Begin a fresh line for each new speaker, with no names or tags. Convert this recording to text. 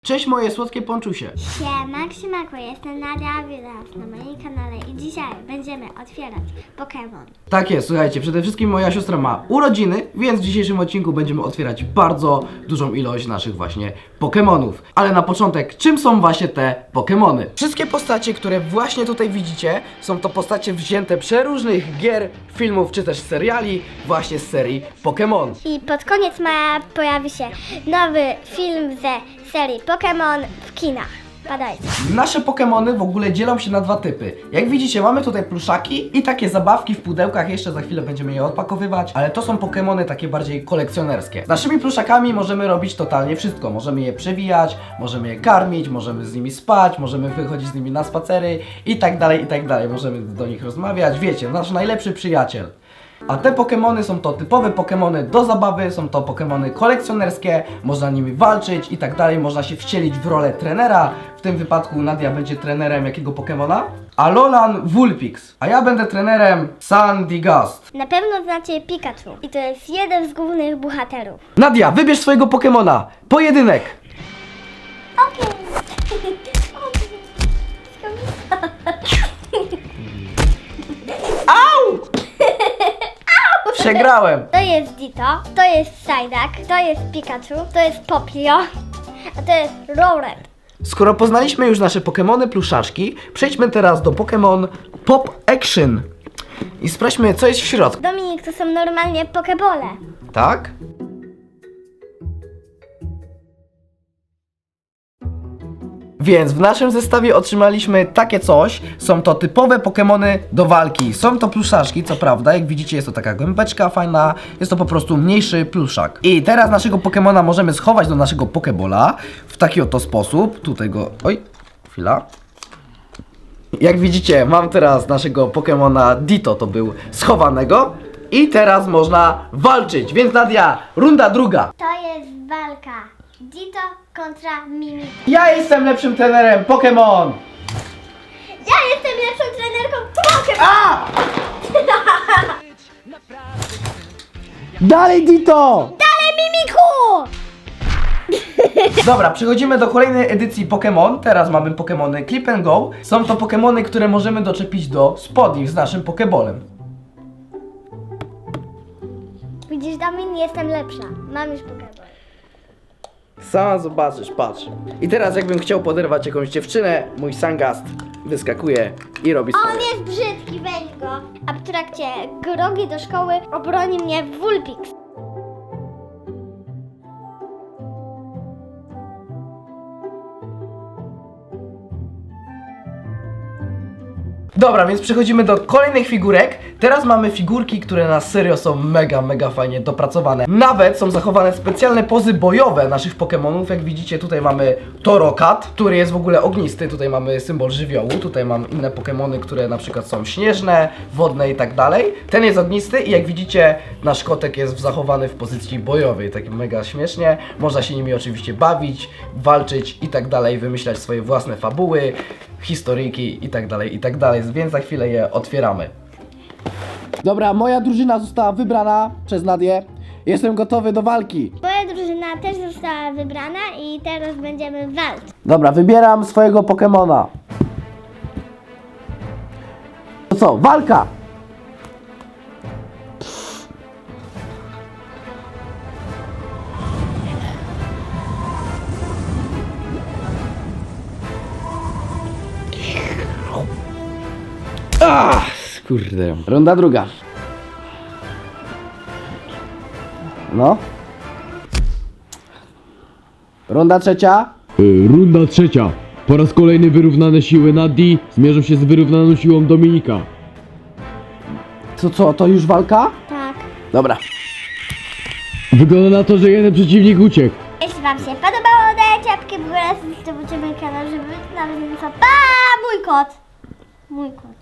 Cześć moje słodkie ponczusie.
Siemanko, jestem Nadia, witam na moim kanale i dzisiaj będziemy otwierać Pokémon.
Tak jest, słuchajcie, przede wszystkim moja siostra ma urodziny, więc w dzisiejszym odcinku będziemy otwierać bardzo dużą ilość naszych właśnie Pokémonów. Ale na początek, czym są właśnie te Pokémony? Wszystkie postacie, które właśnie tutaj widzicie, są to postacie wzięte przeróżnych gier, filmów czy też seriali właśnie z serii Pokémon.
I pod koniec maja pojawi się nowy film ze serii Pokémon w kinach. Badajcie.
Nasze Pokémony w ogóle dzielą się na dwa typy. Jak widzicie, mamy tutaj pluszaki i takie zabawki w pudełkach, jeszcze za chwilę będziemy je odpakowywać, ale to są Pokémony takie bardziej kolekcjonerskie. Z naszymi pluszakami możemy robić totalnie wszystko. Możemy je przewijać, możemy je karmić, możemy z nimi spać, możemy wychodzić z nimi na spacery i tak dalej, i tak dalej. Możemy do nich rozmawiać, wiecie, nasz najlepszy przyjaciel. A te Pokémony są to typowe Pokémony do zabawy, są to Pokémony kolekcjonerskie, można nimi walczyć i tak dalej, można się wcielić w rolę trenera. W tym wypadku Nadia będzie trenerem jakiego Pokémona? Alolan Vulpix. A ja będę trenerem Sandygast.
Na pewno znacie Pikachu i to jest jeden z głównych bohaterów.
Nadia, wybierz swojego Pokémona. Pojedynek.
Okej.
Au! Przegrałem.
To jest Ditto, to jest Psyduck, to jest Pikachu, to jest Popplio, a to jest Rowlet.
Skoro poznaliśmy już nasze Pokémony pluszaczki, przejdźmy teraz do Pokémon Pop Action. I sprawdźmy, co jest w środku.
Dominik, to są normalnie pokebole.
Tak? Więc w naszym zestawie otrzymaliśmy takie coś. Są to typowe Pokémony do walki. Są to pluszaczki, co prawda. Jak widzicie, jest to taka gębeczka fajna. Jest to po prostu mniejszy pluszak. I teraz naszego Pokémona możemy schować do naszego Pokebola w taki oto sposób. Tutaj go... Oj, chwila. Jak widzicie, mam teraz naszego Pokémona Ditto, to był schowanego. I teraz można walczyć. Więc Nadia, runda druga.
To jest walka Ditto kontra Mimi.
Ja jestem lepszym trenerem Pokémon!
Ja jestem lepszą trenerką Pokémon!
A! Dalej Ditto!
Ale Mimiku!
Dobra, przechodzimy do kolejnej edycji Pokémon. Teraz mamy Pokémony Clip and Go. Są to Pokémony, które możemy doczepić do spodni z naszym Pokébolem.
Widzisz, Domin, jestem lepsza. Mam już Pokéball.
Sama zobaczysz, patrz. I teraz jakbym chciał poderwać jakąś dziewczynę, mój Sangast wyskakuje i robi
On
swoje.
jest brzydki, weź go. A w trakcie drogi do szkoły obroni mnie Vulpix.
Dobra, więc przechodzimy do kolejnych figurek. Teraz mamy figurki, które na serio są mega fajnie dopracowane. Nawet są zachowane specjalne pozy bojowe naszych Pokémonów. Jak widzicie, tutaj mamy Torracat, który jest w ogóle ognisty. Tutaj mamy symbol żywiołu. Tutaj mam inne Pokémony, które na przykład są śnieżne, wodne i tak dalej. Ten jest ognisty i jak widzicie, nasz kotek jest zachowany w pozycji bojowej. Tak mega śmiesznie. Można się nimi oczywiście bawić, walczyć i tak dalej, wymyślać swoje własne fabuły, historyjki i tak dalej, więc za chwilę je otwieramy. Dobra, moja drużyna została wybrana przez Nadię. Jestem gotowy do walki.
Moja drużyna też została wybrana i teraz będziemy walczyć.
Dobra, wybieram swojego Pokemona. To co, walka! Kurde. Runda druga. No. Runda trzecia.
Runda trzecia. Po raz kolejny wyrównane siły Nadii zmierzą się z wyrównaną siłą Dominika.
To co, to już walka?
Tak.
Dobra.
Wygląda na to, że jeden przeciwnik uciekł.
Jeśli wam się podobało, dajcie łapkę w górę, subskrybujcie mój kanał, żeby nawet nie co. Pa! Mój kot! Mój kot.